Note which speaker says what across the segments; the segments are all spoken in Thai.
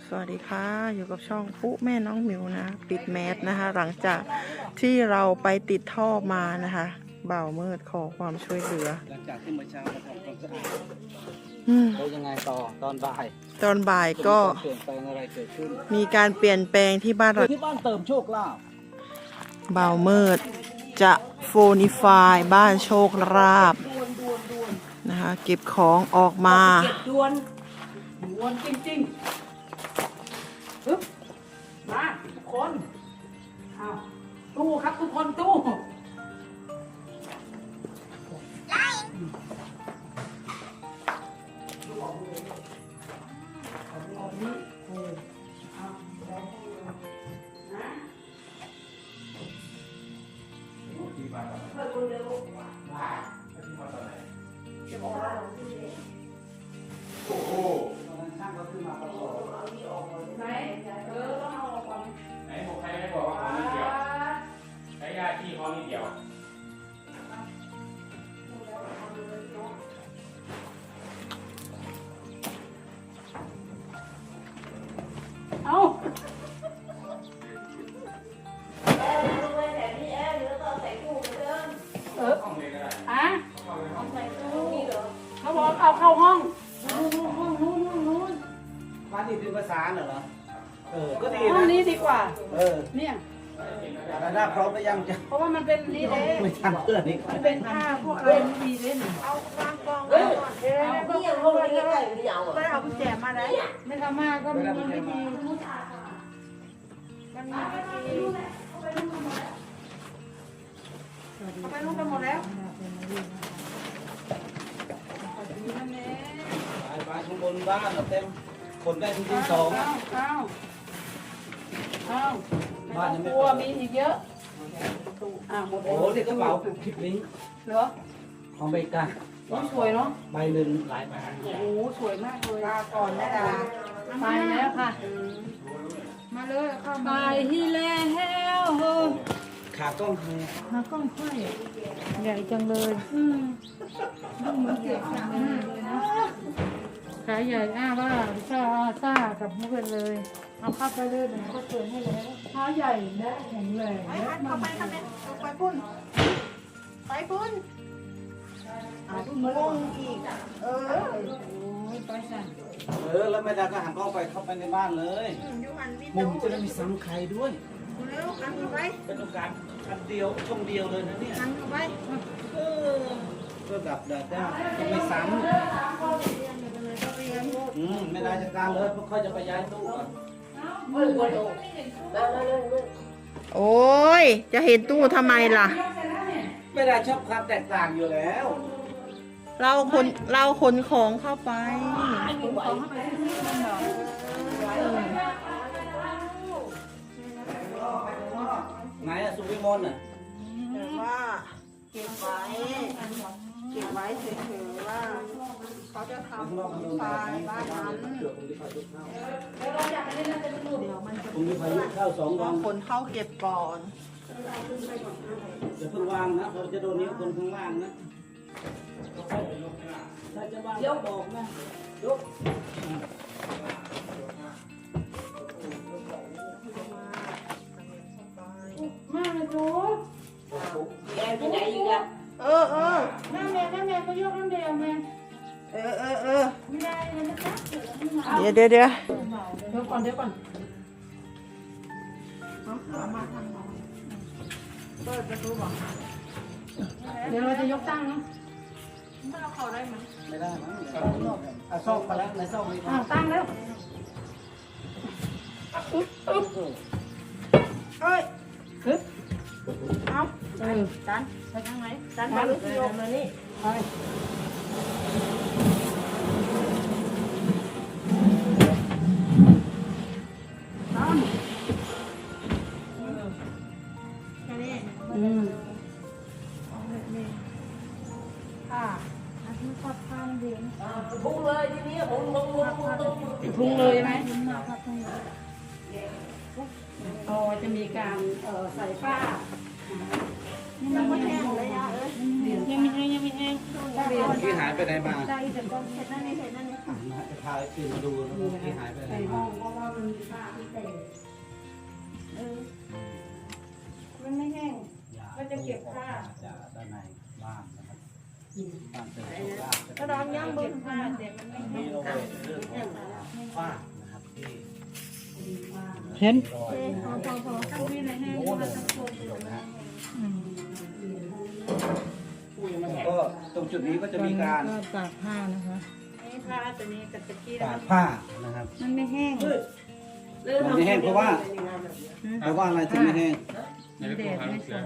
Speaker 1: สวัสดีค่ะอยู่กับช่องปุ๊แม่น้องหมิวนะปิดแมสนะคะ หลังจากที่เราไปติดท่อมานะคะบ่าวมืดขอความช่วยเหลือ
Speaker 2: หลังจากที่เมื่อเช้ามาทำความสะอาด แล้วยังไงต่อตอนบ่าย
Speaker 1: ตอนบ่ายก็
Speaker 2: เปลี่ยนแปลงอะไรเกิดขึ้น
Speaker 1: มีการเปลี่ยนแปลงที่บ้านเรา
Speaker 2: ที่บ้านเติมโชคลาภ
Speaker 1: บ่าวมืดจะโฟนิฟายบ้านโชคลาภนะคะเก็บของออกมา
Speaker 3: เก็บด่วนจริงๆปึ๊บมาทุกคนอ้าวตู้ครับทุกคนตู้ไหนต้องเอาออกก่อน
Speaker 4: ไหนบอกใครไม่บอกว่าของนิดเดียวใช้ยาที่ของนิดเดียว
Speaker 3: เอา
Speaker 4: ห้องเลยก็ได้
Speaker 3: อ่ะเขาบอกเอาเข้าห้องนู้น
Speaker 2: บ้านนี้เป็นภาษาเหรอ ก็ดี
Speaker 3: ห้อง
Speaker 2: นะ
Speaker 3: นี้ดีกว่า เนี่ย
Speaker 2: แต่หน้าพร้อมไปยังจะ
Speaker 3: เพราะว่ามันเป็นรีเดย์
Speaker 2: ไม่ทันเพื่อนนี่
Speaker 3: มันเป็นผ้าพวกเป็นรีเดย์เอาวางกองไว้ก่อนนี่ยังห้องนี้ไก่ไม่เอาไม่เอากุญแจมาไหนไม่ทำมาก็มีวิธีมันมีวิธีเอาไปลูกกันหมดแล้วนั่นเอง
Speaker 2: ไปข้างบนบ้านเราเต็มคนได้ทุกที่สอง
Speaker 3: เอาไม่ต้องกลัวมีอีกเยอะหมด
Speaker 2: โอ้เด็กกระเป๋าคลิปลิงก์
Speaker 3: เหรอ
Speaker 2: ของไปกัน
Speaker 3: สวยเนาะ
Speaker 2: ใบหนึ่งหลายใบ
Speaker 3: โอ้โหสวยมากเลยลาก่อนนะดาไปแล้วค่ะ มาเลยเข้ามาไปที่แล้ว
Speaker 2: ขากล้องคือ
Speaker 3: หากล้องค่อยใหญ่จังเลยต้องเหมือนเกี่ยวกับเลยนะขาใหญ่ว่าซ่ากับเพื่อนเลยเอาเข้าไปเลยเดี๋ยวก็เตือนให้แล้วขาใหญ่และแข็งแรงและมัน
Speaker 1: ไปพุ่นงงอีก
Speaker 3: ไปสั่น
Speaker 2: แล้วแม่ดาก็หันกล้องไปเข้าไปในบ้านเลยมุมจะได้มีซ้ำใครด้วยเป็นโอกาสอันเดียวช่องเดียวเลยนะเนี่ยก็ดับได้จะไม่ซ้ำไม่ได้จัดการเลยเพราะเขาจะไปย้ายตู้ก่อน
Speaker 1: โอ้ยจะเห็นตู้ทำไมล่ะ
Speaker 2: ไม่ได้ชอบความแตกต่างอยู่แล้ว
Speaker 1: เราขนของเข้าไป
Speaker 2: ไหนอะสุวิมลน่ะ
Speaker 1: แต่ว่าเก็บไว้เฉยๆว่าเขาจะทำไฟบ้านนั้น
Speaker 2: ผมมีพายุเข้า2 วัน
Speaker 1: คนเข้าเก็บก่อน
Speaker 2: จะเพิ่งวางนะเพราะจะโดนนิ้วคนข้างล่างนะถ้าจะวางก็บอกนะยก
Speaker 3: มาเลยจู
Speaker 1: เออ
Speaker 3: แม่ก็ยกน้ำเดียวแม่ไม่ได้เลยนะจ๊ะ
Speaker 1: เดี๋ยว
Speaker 3: เดี๋ยวก่อนเดี๋ยวเราจะยกตั้งนะ
Speaker 2: ไม่ได้มั้งเอาซอกไปแล้วในซอกนี้
Speaker 3: ตั้งแล้ว
Speaker 1: ดันไปทางไหนดันไปหรือโยกมานี่
Speaker 3: ไปตั้ง
Speaker 1: แค่นี้
Speaker 3: ค่ะอาทิตย์พับข้างเดียว
Speaker 1: พุ่งเลยทีนี้พุ่ง
Speaker 3: พุ่งเลยไหมอ๋อจะมีการใส่ผ้า
Speaker 1: ยังไม่แห้งเลยอ่ะ
Speaker 3: ยังไม่แห้ง
Speaker 2: ที่หายไปไหนมา
Speaker 3: ได้แต่ก็เห็นนั่นนี่
Speaker 2: จะพาไอ้คืนมาดูนะที่หายไปไหน
Speaker 3: ใส่ห้
Speaker 2: มา
Speaker 3: องเพราะว่ามันเก็บผ้าแต่มันไม่
Speaker 2: มีโนเวทเรื่องของฝ้านะครับที่
Speaker 3: เห็น
Speaker 2: รอยโน้นนะฮะก็ตรงจุดนี้ก็จะมีการ
Speaker 3: ก็ตากผ้านะคะนี่ผ้าตัวนี้กับตะกี้
Speaker 2: ตากผ้านะครับ
Speaker 3: มันไม่แห้ง
Speaker 2: มันไม่แห้งเพราะว่าอะไรถึงไม่แห้ง
Speaker 4: ในเรื่องของเสือ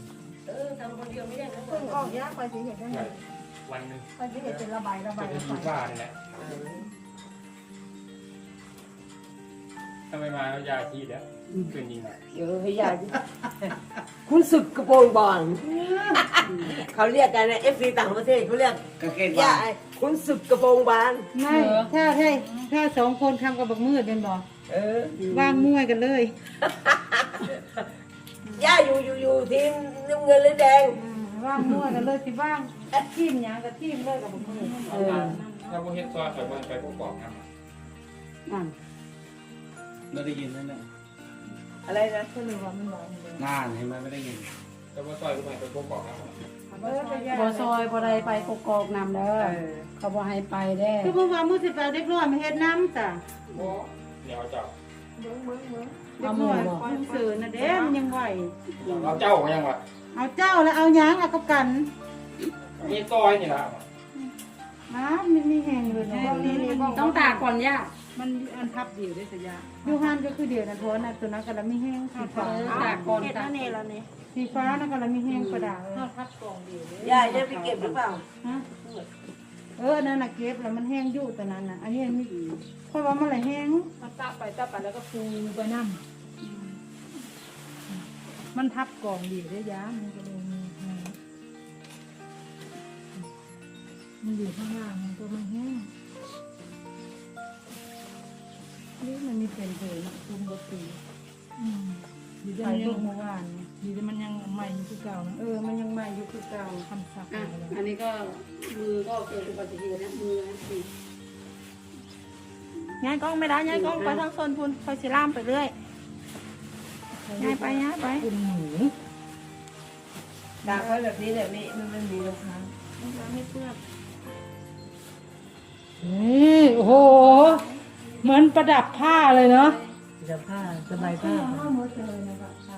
Speaker 5: ออกยากไปสิเห็นได้ไง
Speaker 4: วันหนึ่ง
Speaker 5: ไปสิเห็นเป็นระบาย
Speaker 4: จะเป็นยูบ้านี่แหละทำไมมาแล้วยาชีดแล้วเป็นยิงอ่ะ
Speaker 6: เออให้ยายคุณศึกกระโปรงบอลเขาเรียกกันนะFC ต่างประเทศเขาเรียก
Speaker 2: กางเกง
Speaker 6: ยา
Speaker 2: บาง
Speaker 6: คุณศึกกระโปรงบาน
Speaker 3: ไม่ถ้าสองคนทำกับบักมืดเป็นบอก
Speaker 6: เออ
Speaker 3: ว่างมั่วกันเลย
Speaker 6: ย่าอยู่ทีมน้ำเงินหรือแดง
Speaker 3: ว่างมั่วกันเลยสิว่างทีมหยังกับทีมเลยกับบักมืด
Speaker 4: ถ้าพวกเฮ็ดซอยใส่บนไปพวกกรอกนะ
Speaker 2: เราได้ยินนั่นแหละ
Speaker 6: อะไรนะ
Speaker 3: ก็เลยว่ามันร้อนเลย
Speaker 2: นานเห็นไหมไม่ได้ยิน
Speaker 4: ถ้าพวกซอยก็ไปพวกกรอกนะ
Speaker 5: บ่ซอยบ่ได้ไปกกอกนำเด้อเขาบ่ให้ไปเด้
Speaker 3: คือเมื่อวานมือสิบแปดเด็กน้อยมาเฮ็ดน้ำจ้ะ
Speaker 4: เดี๋ยวเจ้า
Speaker 3: เด็กน้อยคนสื่อนะเด้มันยังไหว
Speaker 4: เอาเจ้าของยังวะ
Speaker 3: เอาเจ้าแล้วเอาหยังเอากับกัน
Speaker 4: มีซอยนี่ละ
Speaker 3: น้ำมันมีแห้งเลยนะ
Speaker 5: ต้องตากก่อนย่า
Speaker 3: มันอันทับเดียวได้สยาอยู่หันก็คือเดียวนะทวนนะตัวนั้นก็แล้วมีแห้งสีฟ้า
Speaker 5: ตากก่อน
Speaker 1: เห็ด
Speaker 5: ตา
Speaker 1: นั่
Speaker 5: ก
Speaker 1: นเองแล้วนี่
Speaker 3: สีฟ้านะก็แล้วมีแห้งประดาเลย
Speaker 6: ย่าจะไปเก็บหรือเปล่า
Speaker 3: ฮะอันนั้นน่ะเก็บแล้วมันแห้งอยู่ตัวนั้นน่ะอันนี้มีเพราะว่ามันไหลแห้ง
Speaker 5: มันตากไปแล้วก็ปูไปน้ำ
Speaker 3: มันทับกล่องเดียวได้ยามันก็เลยมีแห้งมันอยู่ข้างล่างมันก็ไม่แห้งนี่มันมีเป็นเลยนะคุมกตีดีได้ยังเมื่อวานดีได้มันยังใหม่อยู่คือเก่านะมันยังใหม่อยู่คือเก่าคำศัพท์
Speaker 5: อันนี้ก็มือก็เกิดอุบัติเหตุนะมือสิ
Speaker 1: ย้ายกล้องไม่ได้ย้ายกล้องไปทางโซนพุนคอยสิล่ามไปเรื่อยย้ายไปย้ายไป
Speaker 3: คุณหนู
Speaker 6: ตากไว้แบบนี้เนี่ยมันมีรองเท้า
Speaker 1: ไม่เปื้อน
Speaker 3: นี่โอ้โหเหมือนประดับผ้าเลยเนาะ
Speaker 6: จะผ้าสบายผ้า
Speaker 3: ผ้าหมดเลยนะครับผ้า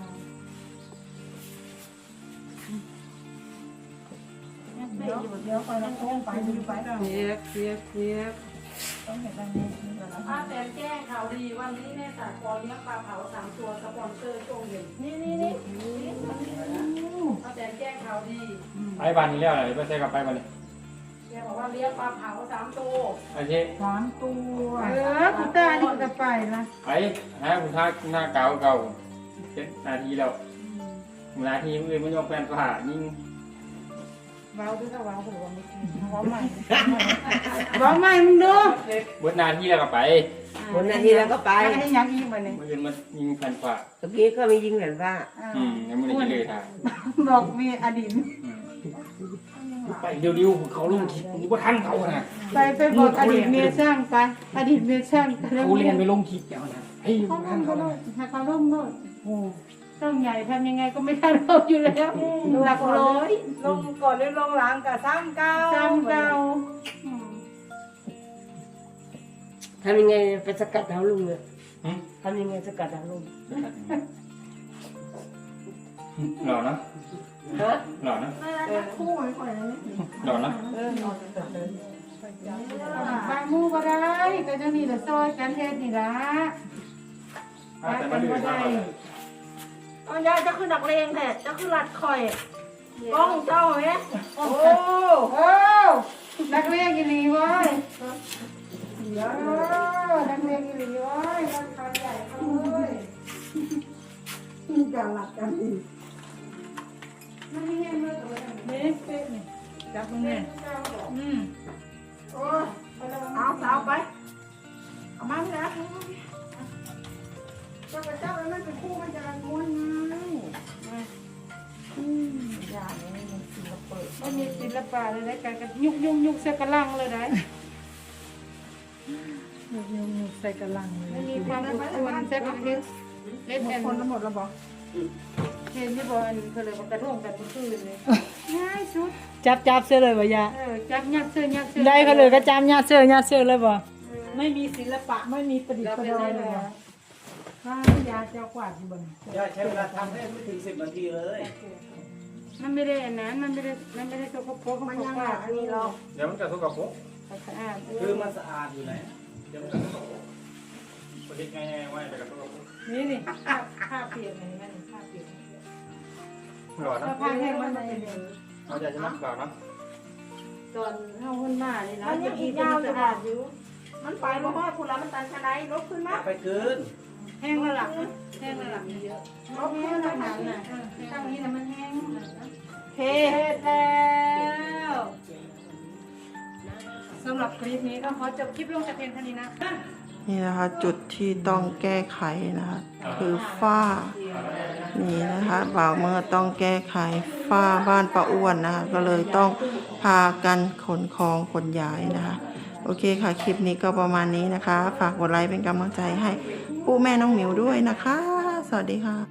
Speaker 3: เดี๋ยวไปแล้วต้องไปดูไปเสียกต้องเห็นแบบนี้
Speaker 5: ป้าแตนแจ้งข่าวดีวันนี้แม่สากรเลี้ยงปลาเผา3 ตัวสปอนเซอร์ช่วงเย็นนี่ป้าแตนแจ้งข่าวดี
Speaker 4: ไปบ้านนี้แล้วอะไรไม่ใช่กลับไปบ้านนี้
Speaker 5: แกบอกว่าเลี้ยงปลาเผา3 ตัว
Speaker 4: ไอ้เจ๊
Speaker 3: 3 ตัวคุณตานี่ก็จะไปนะ
Speaker 4: ไปหาคุณท่าหน้าเก่า7 นาทีแล้วนาทีอื่นไม่ยอมแฟนผ่ายิ่ง
Speaker 3: ว้าวด้วยค่ะว้าวผมว่าไม่กินว้าวใหม่ว้าวใหม่มึงดู
Speaker 4: เบิดนาทีแล้วก็ไป
Speaker 6: วันนาทีแล้วก็ไป
Speaker 3: ให้ยังอีกมาเนี่ย
Speaker 4: เมื่อคืนมันยิงแฟนผ่า
Speaker 6: เมื่อกี้ก็มียิงแหวนผ้า
Speaker 4: ยังไม่ได้เลยท่า
Speaker 3: บอกมีอดีต
Speaker 4: ไปเดี๋ยวเขาลงคลิปผมว่าท่านเขานะ
Speaker 3: ไปบอกอดีตเมียช่างไปอดีตเมียช่าง
Speaker 4: เขาเรียนไปลงคลิปแล้วนะเฮ้ย
Speaker 3: เขา
Speaker 4: ท่าน
Speaker 3: ล่ม
Speaker 4: เขา
Speaker 3: เขา
Speaker 4: นะ
Speaker 3: ล่มให้เขาล่มโน่นต้องใหญ่ทำยังไงก็ไม่ทันเราอยู่แล้วหลักร้อย
Speaker 5: ลงก่อนหรือลงหลังกับ3 9
Speaker 3: จำเก่า
Speaker 6: ทำยังไงไปสกัดดาวลุงเนี่ยทำยังไงสกัดดาวลุง
Speaker 4: หล่อนะ
Speaker 6: ฮะ
Speaker 4: หล่อนะ
Speaker 1: คู่ไว้ก่อนเลย
Speaker 4: หล่อนะ
Speaker 3: บางมูก็ได้ก็จะนี่ละซอยกันเฮ็ดนี่ละ
Speaker 4: แต่มาดูท่า
Speaker 1: เอาย้ายจะขึ้นนักเลงแท้จะขึ้นรัดคอยกล้องเจ้าไหม
Speaker 3: โอ้นักเรียนกี่ลีวะนักเรียนกี่ลีวะนักการใหญ่เขาเลยการหลักกันอีกไม่ให้เห็นเลยนี่จับมึงเนี่ย
Speaker 1: เอาสาวไปเอามาแล้วเจ้ากับเจ้าแล้วมันเป็นคู่มันจะม้วนไงอย่าเลยมันศิลปะ
Speaker 3: ไม่มีศิลปะเลยนะการยุกใส่กระลังเลยได้ยุกใส่กระลังเลยมีความอดทนใส่กระเทียมเล่นแอน
Speaker 1: คนละหมดแล้วบอก
Speaker 3: เห็นที่บอกอันเธอเลยว่ากระท่งกันเมื่อคืนเลยง่ายสุด
Speaker 7: จับเสื้อเลยบ่ยา
Speaker 3: จับยัดเสื้อยัดเสื้อ
Speaker 7: ได้เขาเลยก็จำญาติเสื้อเลยบ่ไม่มีศิลปะไม่มีประดิษฐ์ประดอยเลยบ่ถ้ายาเจ้ากวาดอยู่บ่
Speaker 2: ย่าใช้เวลาทำให้ไม่ถึง10 นาทีเลย
Speaker 3: มันไม่ได้อันนั้นมันไม่ได้ตัวกระโปรงมันยังอันนี้หรอก
Speaker 4: เดี๋ยวมันจะทุกข์กับผม
Speaker 3: สะอาด
Speaker 2: คือมันสะอาดอยู่ไหน
Speaker 4: เดี๋ยวมันจะทุกข์กับผมประเทศง่ายๆไว้แต่กับทุกข์กับผม
Speaker 3: นี่ผ้าเปียกอะไรนั่นผ้าเปียก
Speaker 4: หล่อนะ
Speaker 3: ถ้าผ้าแห้งมันจะเป็น
Speaker 4: เอาใจจะนักหล่อนะ
Speaker 3: ตอนเข้าหุ่นบ้าเลยนะ
Speaker 5: มันยังอีกยาวอยู่ค่ะมันไปบ่ฮอดคุณแล้วมันตันชะไดลบขึ้นมา
Speaker 2: ไปคืน
Speaker 3: แห้งแล้วล่ะแห้งแล้วล่ะเยอะ
Speaker 5: ลบขึ้นแล้วค่ะ
Speaker 3: ตั้งนี้นะมันแห้ง
Speaker 5: เฮ็ดแล้ว
Speaker 3: สำหรับคลิปนี้ก็ขอจบคลิปลงแต่เพียงเท่านี้นะ
Speaker 1: นี่นะคะจุดที่ต้องแก้ไขนะคะคือฝ้านี่นะคะบ่าวเมื่อต้องแก้ไขฝ้าบ้านป้าอ้วนนะคะก็เลยต้องพากันขนของขนย้ายนะคะโอเคค่ะคลิปนี้ก็ประมาณนี้นะคะฝากกดไลค์เป็นกำลังใจให้ผู้แม่น้องหมิวด้วยนะคะสวัสดีค่ะ